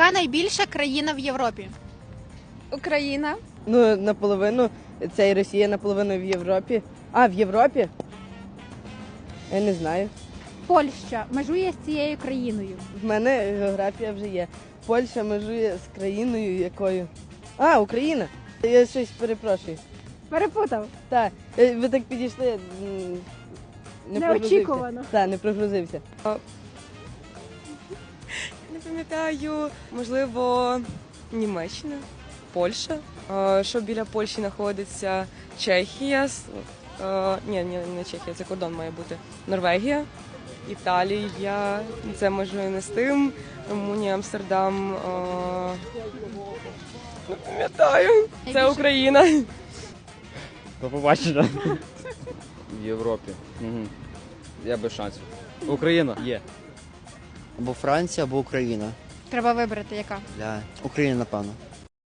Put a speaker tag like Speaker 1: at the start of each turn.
Speaker 1: Яка найбільша країна в Європі?
Speaker 2: Україна.
Speaker 3: Ну, наполовину, це і Росія наполовину в Європі. А, в Європі? Я не знаю.
Speaker 1: Польща межує з цією країною.
Speaker 3: В мене географія вже є. Польща межує з країною якою. А, Україна. Я щось перепрошую.
Speaker 1: Перепутав.
Speaker 3: Так, ви так підійшли.
Speaker 1: Неочікувано.
Speaker 3: Так, не прогрузився.
Speaker 2: Не пам'ятаю, можливо, Німеччина, Польща. Що біля Польщі знаходиться Чехія. Ні, не Чехія, це кордон має бути. Норвегія, Італія, це може не з тим. Румунія, Амстердам. Не пам'ятаю. Це Україна.
Speaker 4: До побачення. В Європі. Угу. Я без шансів. Україна є.
Speaker 5: Або Франція, або Україна.
Speaker 1: Треба вибрати, яка.
Speaker 5: Україна, напевно.